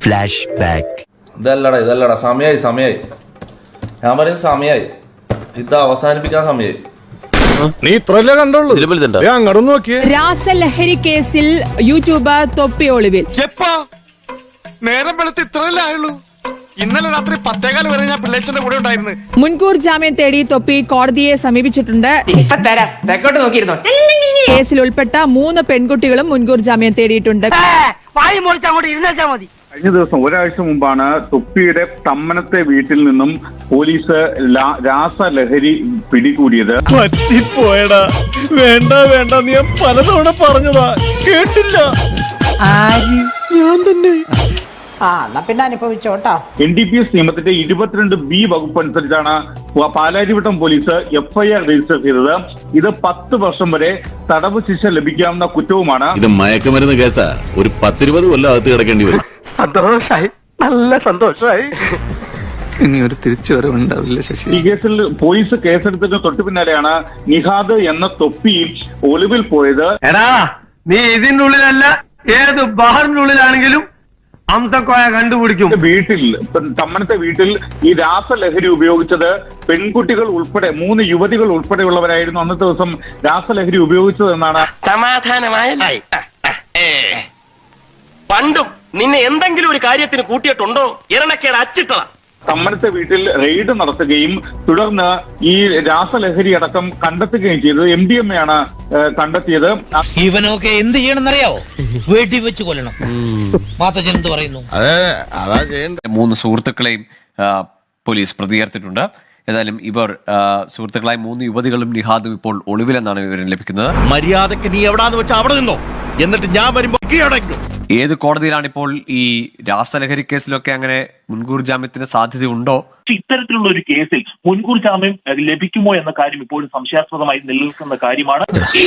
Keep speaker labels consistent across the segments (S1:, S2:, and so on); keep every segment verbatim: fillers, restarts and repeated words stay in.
S1: Flash back.
S2: ഇതല്ലടാ ഇതല്ലടാ സമയായി സമയായി ഞാൻ പറയും സമയായി. ഇത് അവസാനിപ്പിക്കാൻ സമയായി.
S3: നീ ഇത്രല്ലേ കണ്ടുള്ളൂ. അങ്ങോട്ട് നോക്കിയേ.
S4: രാസലഹരി കേസിൽ യൂട്യൂബർ തൊപ്പി ഒളിവിൽ.
S5: എപ്പോ നേരം വെളുത്ത് ഇത്രയല്ലേ ആയുള്ളൂ? ഇന്നലെ രാത്രി പത്തേകാല് വരെ ഞാൻ പിള്ളേച്ചന്റെ കൂടെ ഉണ്ടായിരുന്നു.
S4: മുൻകൂർ ജാമ്യം തേടി തൊപ്പി കോടതിയെ സമീപിച്ചിട്ടുണ്ട്. കേസിൽ ഉൾപ്പെട്ട മൂന്ന് പെൺകുട്ടികളും മുൻകൂർ ജാമ്യം തേടിയിട്ടുണ്ട്.
S6: കഴിഞ്ഞ ദിവസം ഒരാഴ്ച മുമ്പാണ് തൊപ്പിയുടെ തമ്മനത്തെ വീട്ടിൽ നിന്നും പോലീസ് രാസലഹരി പിടികൂടിയത്.
S3: പറ്റിപ്പോയടാ. വേണ്ട വേണ്ട നീ പലതവണ പറഞ്ഞതാ കേട്ടില്ല. ഞാൻ തന്നെ
S6: എൻ ഡി പി എസ് നിയമത്തിന്റെ ഇരുപത്തിരണ്ട് ബി വകുപ്പ് അനുസരിച്ചാണ് പാലാരിവട്ടം പോലീസ് എഫ്ഐആർ രജിസ്റ്റർ ചെയ്തത്. ഇത് പത്ത് വർഷം വരെ തടവ് ശിക്ഷ ലഭിക്കാവുന്ന കുറ്റവുമാണ്.
S7: ഇത് മയക്കുമരുന്ന് കേസാ. ഒരു പത്തിരുപത് കൊല്ലം അകത്ത് കിടക്കേണ്ടി വരും.
S8: സന്തോഷായി, നല്ല സന്തോഷായി. ഇനി ഒരു തിരിച്ചുവരവുണ്ടാവില്ല ശശി.
S6: ഈ കേസിൽ പോലീസ് കേസെടുത്തതിന് തൊട്ടു പിന്നാലെയാണ് നിഹാദ് എന്ന തൊപ്പി ഒളിവിൽ പോയത്.
S8: എടാ നീ ഇതിന്റെ ഉള്ളിലല്ല, ഏത് ബാറിനുള്ളിലാണെങ്കിലും അംസക്കോയ കണ്ടുപിടിക്കും.
S6: വീട്ടിൽ തമ്മനത്തെ വീട്ടിൽ ഈ രാസലഹരി ഉപയോഗിച്ചത് പെൺകുട്ടികൾ ഉൾപ്പെടെ മൂന്ന് യുവതികൾ ഉൾപ്പെടെയുള്ളവരായിരുന്നു അന്നത്തെ ദിവസം രാസലഹരി ഉപയോഗിച്ചതെന്നാണ്.
S9: സമാധാനമായി. പണ്ടും നിന്നെ എന്തെങ്കിലും ഒരു കാര്യത്തിന് കൂട്ടിയിട്ടുണ്ടോ? ഇരണക്കേട് അച്ചിട്ടതാ.
S6: തമ്മനത്തെ വീട്ടിൽ റെയ്ഡ് നടത്തുകയും തുടർന്ന് ഈ രാസലഹരി അടക്കം കണ്ടെത്തുകയും ചെയ്തത് എം ഡി എം എ ആണ് കണ്ടെത്തിയത്.
S10: ഇവനൊക്കെ എന്ത് ചെയ്യണമെന്നറിയാവോ? വീട്ടിൽ വെച്ച് കൊല്ലണം. മാത്തച്ഛൻ എന്ത് പറയുന്നു?
S11: മൂന്ന് സുഹൃത്തുക്കളെയും പോലീസ് പ്രതികരിച്ചിട്ടുണ്ട്. ഏതായാലും ഇവർ സുഹൃത്തുക്കളായ മൂന്ന് യുവതികളും നിഹാദും ഇപ്പോൾ ഒളിവിലെന്നാണ് വിവരം ലഭിക്കുന്നത്.
S3: മര്യാദക്ക് നീ എവിടാന്ന് വെച്ചാൽ അവിടെ നിന്നോ, എന്നിട്ട് ഞാൻ വരുമ്പോ
S11: ഏത് കോടതിയിലാണ് ഇപ്പോൾ ഈ രാസലഹരി കേസിലൊക്കെ അങ്ങനെ മുൻകൂർ ജാമ്യത്തിന് സാധ്യത ഉണ്ടോ?
S12: ഇത്തരത്തിലുള്ള ഒരു കേസിൽ മുൻകൂർ ജാമ്യം ലഭിക്കുമോ എന്ന കാര്യം ഇപ്പോഴും സംശയാസ്പദമായി നിലനിൽക്കുന്ന കാര്യമാണ്.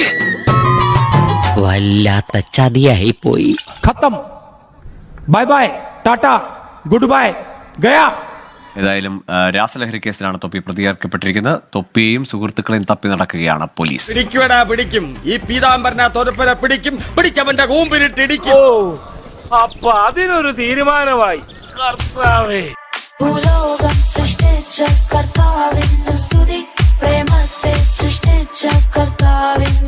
S1: വല്ലാത്ത ചതിയായി പോയി.
S8: ഖത്തം. Bye bye, tata, good bye, ഗയാ.
S11: ഏതായാലും രാസലഹരി കേസിലാണ് തൊപ്പി പ്രതികരിക്കപ്പെട്ടിരിക്കുന്നത്. തൊപ്പിയെയും സുഹൃത്തുക്കളെയും തപ്പി നടക്കുകയാണ് പോലീസ്.
S3: പിടിക്കുവടാ പിടിക്കും. ഈ പീതാംബരനെ തൊരപ്പനെ പിടിക്കും. പിടിച്ചവന്റെ കൂമ്പിലിട്ടിടിക്കും. അപ്പൊ അതിനൊരു തീരുമാനമായി. കർത്താവേ.
S13: ഭൂലോകം സൃഷ്ടിച്ച കർത്താവിൻ സ്തുതി, പ്രേമത്തെ സൃഷ്ടിച്ച കർത്താവിൻ